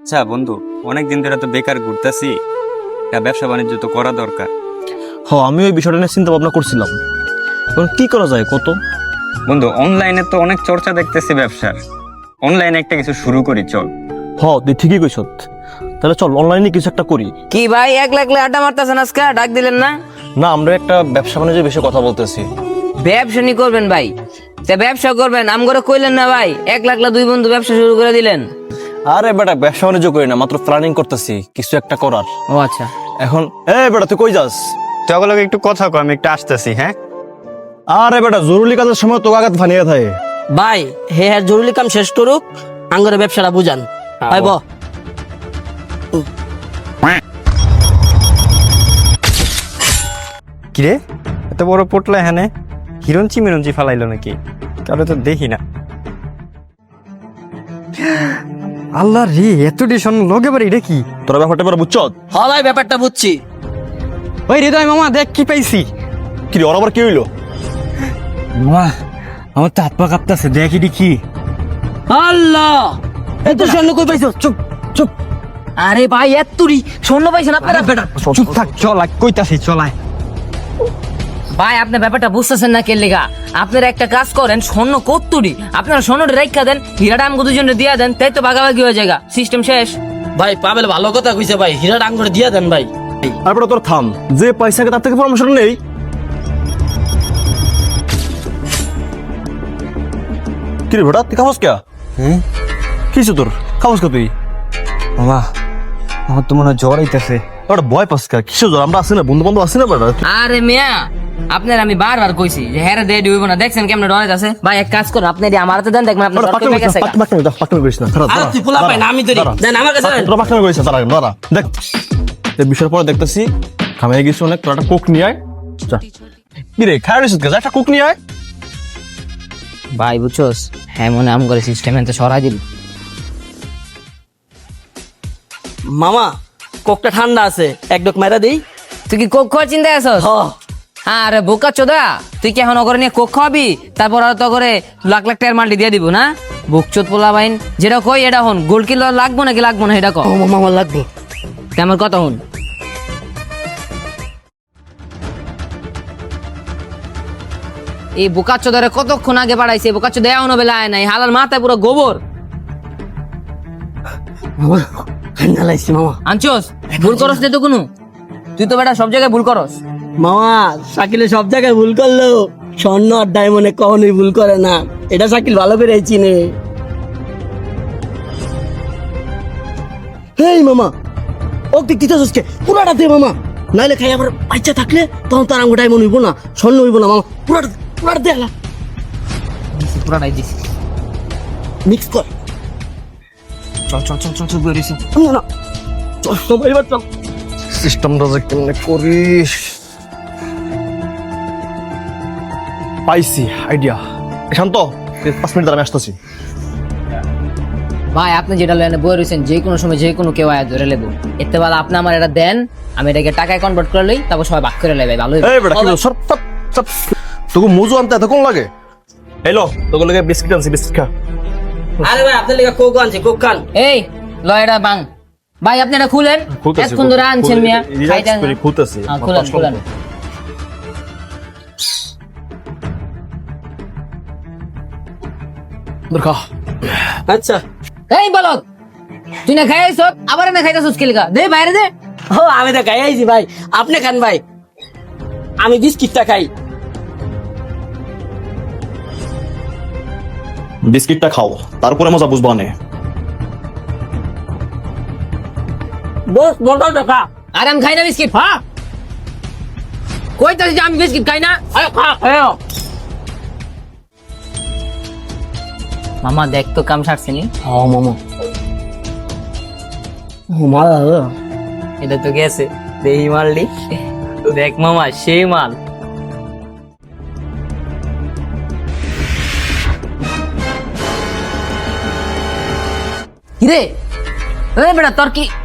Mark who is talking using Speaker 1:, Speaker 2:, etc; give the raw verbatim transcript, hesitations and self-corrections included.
Speaker 1: আচ্ছা বন্ধু, অনেকদিন ধরে তো বেকার ঘুরতেছি, ব্যবসা বাণিজ্য তো করা দরকার।
Speaker 2: হ আমি ওই বিষয়টা নিয়ে চিন্তা ভাবনা করছিলাম, এখন কি করা যায় কত।
Speaker 1: বন্ধু, অনলাইনে তো অনেক চর্চা দেখতেছি ব্যবসার, অনলাইনে একটা কিছু শুরু করি চল।
Speaker 2: হ তুই ঠিকই কইছ, তাহলে চল অনলাইনে কিছু একটা করি।
Speaker 3: কি ভাই এক লাখ আড্ডা মারতেছেন আজকে, ডাক দিলেন না?
Speaker 2: না, আমরা একটা ব্যবসা বাণিজ্যের বিষয়ে কথা বলতেছি।
Speaker 3: ব্যবসা নি করবেন ভাই? তা ব্যবসা করবেন আম করে কইলেন না ভাই, এক লাখ দুই বন্ধু ব্যবসা শুরু করে দিলেন।
Speaker 2: আরে বেটা, ব্যবসা বাণিজ্য করি না, মাত্র প্ল্যানিং করতেছি কিছু একটা করার।
Speaker 3: ও আচ্ছা,
Speaker 2: এখন এ বেটা তুই কই যাস?
Speaker 1: চগুলোকে একটু কথা কয়, আমি একটু আসতেছি। হ্যাঁ
Speaker 2: আরে বেটা, জরুরি কাজের সময় তো আঘাত ফানিয়ে থাকে।
Speaker 4: ভাই হে হ্যাঁ জরুরি কাম শেষ করুক, আঙ্গরে ব্যবসাটা বুঝান। ভাই ব
Speaker 1: কিরে, এত বড় পোটলা হ্যাঁ হিরঞ্চি মিরঞ্চি ফালাইলো নাকি? কারো তো দেখি না। আল্লাহ রে, এত ডিশন লগে বাড়ি এটা কি?
Speaker 2: তোরা ব্যাপারটা এবার বুঝছ?
Speaker 4: হ ভাই ব্যাপারটা বুঝছি।
Speaker 1: ওই হৃদয় মামা, দেখ কি পাইছি।
Speaker 2: কি রে, ওর আবার কি হইলো?
Speaker 1: মামা, আমার তো হাত পা কাঁপতেছে, দেখ এটি কি।
Speaker 4: আল্লাহ এত স্বর্ণ কই পাইছো? চুপ চুপ।
Speaker 3: আরে ভাই এত্তুরি স্বর্ণ পাইছেন আপনারা?
Speaker 1: চুপ থাক, চল কইতাছি চলায়।
Speaker 3: ভাই আপনি ব্যাপারটা বুঝতেছেন না কে লেগা? আপনারা একটা কাজ করেন, স্বর্ণ কত্তুরি আপনারা স্বর্ণটা রেখা দেন, হীরাটা আমাকে দুজনে দিয়া দেন, তাই তো ভাগাভাগি হয়ে যায়, সিস্টেম শেষ।
Speaker 4: ভাই পাবেল ভালো কথা কইছে ভাই, হীরাটা আঙ্গরে দিয়া দেন ভাই।
Speaker 2: আর বেটা তোর থাম, যে পয়সাকে তার থেকে পরামর্শ নেই। কি রে বেটা, তুই খাবস কে?
Speaker 1: হ্যাঁ
Speaker 2: কিছু তোর খাবস কে তুই?
Speaker 1: মামা, আমার তো মনে হয় জ্বর আইতেছে।
Speaker 2: ওটা ভয় পাস কে? কিসের জ্বর? আমরা আছি না, বন্ধু বান্ধব আছি না বেটা।
Speaker 3: আরে মিয়া, আপনার আমি বারবার কইছি যে হ্যাঁ রে দেই হইব না, দেখছেন কেমনে ডরাই আছে। ভাই এক কাজ করুন, আপনি আমার হাতে দেন, দেখবেন আপনার জ্বর কমে গেছে।
Speaker 2: পাকনা করিস না।
Speaker 4: আরে তুই পোলা পাই না, আমি ধরি দেন আমার কাছে দেন।
Speaker 2: তোরা পাকনা করিস না, দাঁড়া দাঁড়া দেখ। এই বিষয়ের পরে দেখতেছি খামিয়ে গেছি অনেক, তোরা একটা কোক নিয়ে আয়। যা কি রে, খায় রেছিস যা, একটা কোক নিয়ে আয়।
Speaker 3: ভাই বুঝছস, হ্যাঁ মনে আম করে সিস্টেম এতে সরাই দিল।
Speaker 4: মামা কোকটা ঠান্ডা আছে, এক ডক মাইরা দেই।
Speaker 3: তুই কি কোক খাওয়ার চিন্তায় আছস?
Speaker 4: হ
Speaker 3: আরে বোকা চোদা, তুই কি এখন ওগরে নিয়ে কোক খাওয়াবি, তারপর আর তো করে লাখ লাখ টাকার মালটি দিয়ে দিব না? বুকচোদ পোলা বাইন, যেটা কই এটা হন, গোল কিলো লাগবো নাকি লাগবো না এটা কো।
Speaker 4: ও মামা আমার লাগবে।
Speaker 3: তা আমার কথা হন, এই বোকা চোদারে কতক্ষণ আগে বাড়াইছে, বোকা চোদা এখনো বেলা আয় নাই, হালার মাথায় পুরো গোবর।
Speaker 4: মামা ঠান্ডা লাগছে মামা।
Speaker 3: আনছোস ভুল করস না তো কোনো? তুই তো বেটা সব জায়গায় ভুল করস।
Speaker 4: মামা শাকিলে সব জায়গায় ভুল করলো, স্বর্ণ আর ডায়মন্ডে কখনোই ভুল করে না, এটা শাকিল ভালো করে চিনে। হেই মামা, ও তুই দিতেছস কে? পুরাটা দে মামা, নাইলে খাই আবার বাচ্চা থাকলে তখন তার আঙ্গু ডায়মন্ড হইব না, স্বর্ণ হইব না। মামা পুরাটা পুরাটা দে, আলা
Speaker 3: পুরাটাই দিছি।
Speaker 4: মিক্স কর।
Speaker 3: চল চল চল চল চল বেরিয়েছি।
Speaker 4: না না চল সবাই এবার চল।
Speaker 2: সিস্টেমটা যে কেমনে করিস? পাইছি আইডিয়া। শান্ত, পাঁচ মিনিট দাঁড়া, আমি আসতেছি।
Speaker 3: ভাই আপনি যেটা লেনে বই রয়েছেন, যে কোনো সময় যে কোনো কেউ আয় ধরে লেবো, এতে বেলা আপনি আমার এটা দেন, আমি এটাকে টাকায় কনভার্ট করে লই, তারপর সবাই ভাগ করে লেবে। ভালো
Speaker 2: এই বেটা, কি সব সব সব তোকে মুজু আনতে এতক্ষণ লাগে? এলো তোকে লাগে বিস্কিট আনছি, বিস্কিট খা।
Speaker 4: আরে ভাই আপনার লেগে কোক আনছি, কোক খান।
Speaker 3: এই লয়টা বাং ভাই, আপনি এটা খুলেন, এতক্ষণ ধরে আনছেন মিয়া, খাইতেন না।
Speaker 2: খুলতেছি।
Speaker 3: হ্যাঁ, খুলেন খুলেন।
Speaker 2: খা।
Speaker 4: আচ্ছা
Speaker 3: এই বলদ, তুই না খাইছ আবার না খাইতাছস কি লাগা? দে বাইরে দে।
Speaker 4: ও আমি তো খাই আইছি ভাই, আপনি খান ভাই, আমি বিস্কিটটা খাই।
Speaker 2: বিস্কিটটা খাও, তারপরে মজা বুঝবা নে।
Speaker 4: বস মোটাটা খা।
Speaker 3: আর আমি খাই না বিস্কিট।
Speaker 4: হ্যাঁ
Speaker 3: কইতাছি যে আমি বিস্কিট খাই না।
Speaker 4: আরে খা খাও।
Speaker 3: মামা দেখ তো কাম সারছিনি।
Speaker 4: হ্যাঁ মামা, ও মালা
Speaker 3: এটা তো গেছে, দেহি মারলি। দেখ মামা সেই মাল। কিরে, এই বেটা তোর কি